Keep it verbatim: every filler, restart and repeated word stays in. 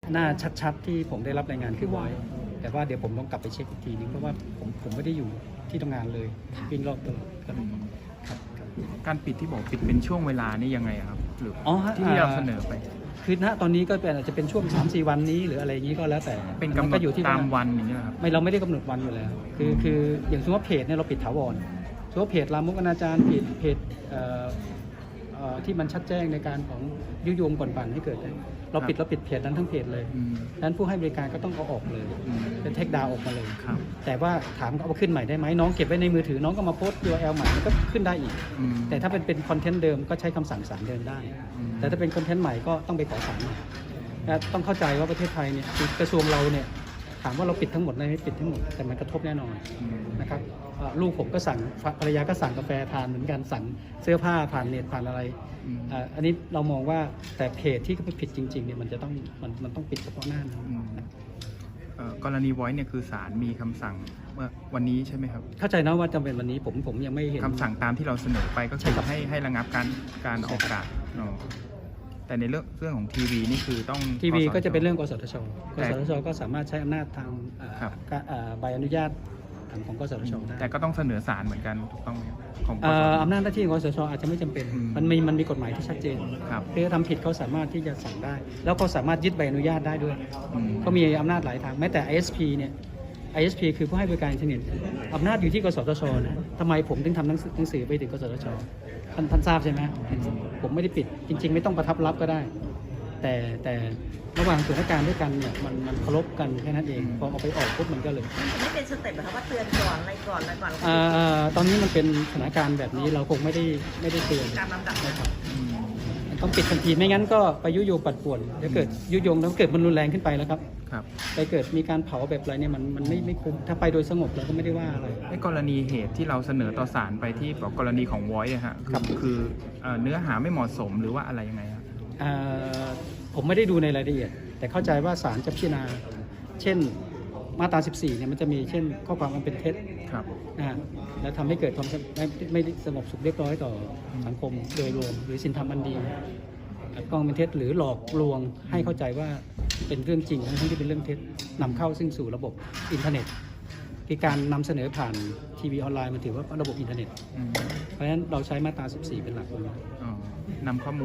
หน้าชัดๆที่ผมได้รับรายงานคือไว้แต่ว่าเดี๋ยวผมต้องกลับไปเช็คอีกทีนึงเพราะว่าผมผมไม่ได้อยู่ที่ทำงานเลยวิ่งรอบตลอดครับครับการปิดที่บอกปิดเป็นช่วงเวลานี่ยังไงครับหรืออ๋อฮะที่เราเสนอไปคือณตอนนี้ก็เป็นอาจจะเป็นช่วง สามสี่ วันนี้หรืออะไรอย่างนี้ก็แล้วแต่เป็นกำหนก็ดอยู่ที่ตามวันอย่างเงี้ยครับไม่เราไม่ได้กำหนดวันอยู่แล้ว คือคืออย่างสมมติว่าเพจเนี่ยเราปิดถาวรสมมติว่าเพจลามกอนาจารเพจเพจเอ่อเอ่อที่มันชัดแจ้งในการของยุยงก่อนปั่นให้เกิดเนี่ยเราปิดเราปิดเพจนั้นทั้งเพจเลยอืมดังนั้นผู้ให้บริการก็ต้องเอาออกเลยอืมเป็นเทคดาวออกมาเลยครับแต่ว่าถามเอาขึ้นใหม่ได้ไหมน้องเก็บไว้ในมือถือน้องก็มาโพสต์ ยู อาร์ แอล ใหม่มันก็ขึ้นได้อีกอืมแต่ถ้าเป็นเป็นคอนเทนต์เดิมก็ใช้คำสั่งศาลเดิมได้อืมแต่ถ้าเป็นคอนเทนต์ใหม่ก็ต้องไปขอศาลใหม่นะต้องเข้าใจว่าประเทศไทยเนี่ยคือกระทรวงเราเนี่ยถามว่าเราปิดทั้งหมดไหมไม่ปิดทั้งหมดแต่มันกระทบแน่นอนอืมนะครับเอ่อลูกผมก็สั่งภรรยาก็สั่งกาแฟทานเหมือนกันสั่งเสื้อผ้าผ่านเน็ตผ่านอะไรอืมเอ่ออันนี้เรามองว่าแต่เพจที่เขาไปผิดจริงๆเนี่ยมันจะต้องมันมันต้องปิดเฉพาะหน้านะอืมเอ่อกรณี Voice เนี่ยคือศาลมีคำสั่งเมื่อวันนี้ใช่ไหมครับเข้าใจนะว่าจำเป็นวันนี้ผมผมยังไม่เห็นคำสั่งตามที่เราเสนอไปก็ใช่คือครับให้ให้ระงับการการออกอากาศอ๋อแต่ในเรื่องเรื่องของทีวีนี่คือต้องทีวีคสชก็จะเป็นเรื่องกสทช กแต่สทช ก็สามารถใช้อำนาจทางเอ่อครับการเอ่อใบอนุญาตของกสทชได้แต่ก็ต้องเสนอศาลเหมือนกันถูกต้องไหมครับของกเอ่สอทชอำนาจหน้าที่ของกสทชอาจจะไม่จำเป็นอืมมันมีมันมีกฎหมายที่ชัดเจนครับคือทำผิดเขาสามารถที่จะสั่งได้ แล้วก็สามารถยึดใบอนุญาตได้ด้วยอืมก็มีอำนาจหลายทางแม้แต่ ไอ เอส พี เนี่ย ไอ เอส พี คือผู้ให้บริการอินเทอร์เน็ตอำนาจอยู่ที่กสทชนะทำไมผมถึงทำหนังสือหนังสือไปถึงกสทชท่านท่านทราบใช่ไหมผมไม่ได้ปิดจริง ๆ ไม่ต้องประทับรับก็ได้ แต่แต่ระหว่างส่วนราชการด้วยกันเนี่ยมันมันเคารพกันแค่นั้นเองพอเอาไปออกปุ๊บมันก็เลยมันไม่เป็นสเต็ปเหรอคะว่าเตือนก่อนอะไรก่อนอะไรก่อนอ่าอ่าตอนนี้มันเป็นสถานการณ์แบบนี้เราคงไม่ได้ไม่ได้เตือนการลำดับนะครับอืมมันต้องปิดทันทีไม่งั้นก็ไปยุยงปัดป่วนเดี๋ยวเกิดยุยงแล้วเกิดมันรุนแรงขึ้นไปแล้วครับครับไปเกิดมีการเผาแบบอะไรเนี่ยมันมันไม่ไม่คุ้มถ้าไปโดยสงบเราก็ไม่ได้ว่าอะไรไอ้กรณีเหตุที่เราเสนอต่อศาลไปที่บอกกรณีของ Voice อะฮะครับคือเอ่อเนื้อหาไม่เหมาะสมหรือว่าอะไรยังไงครับอ่าผมไม่ได้ดูในรายละเอียด แต่เข้าใจว่าศาลจะพิจารณา เช่นมาตรา สิบสี่ เนี่ยมันจะมีเช่นข้อความอันเป็นเท็จครับนะฮะแล้วทำให้เกิดความสงบไม่ไม่ได้สงบสุขเรียบร้อยต่อสังคมโดยรวม หรือสินธรรมอันดีกองเป็นเท็จหรือหลอกลวงให้เข้าใจว่าเป็นเรื่องจริงทั้งที่เป็นเรื่องเท็จนำเข้าซึ่งสู่ระบบอินเทอร์เน็ตคือการนำเสนอผ่านทีวีออนไลน์มันถือว่าระบบอินเทอร์เน็ตอืมเพราะฉะนั้นเราใช้มาตรา สิบสี่ เป็นหลักเลยอ๋อนำข้อมูล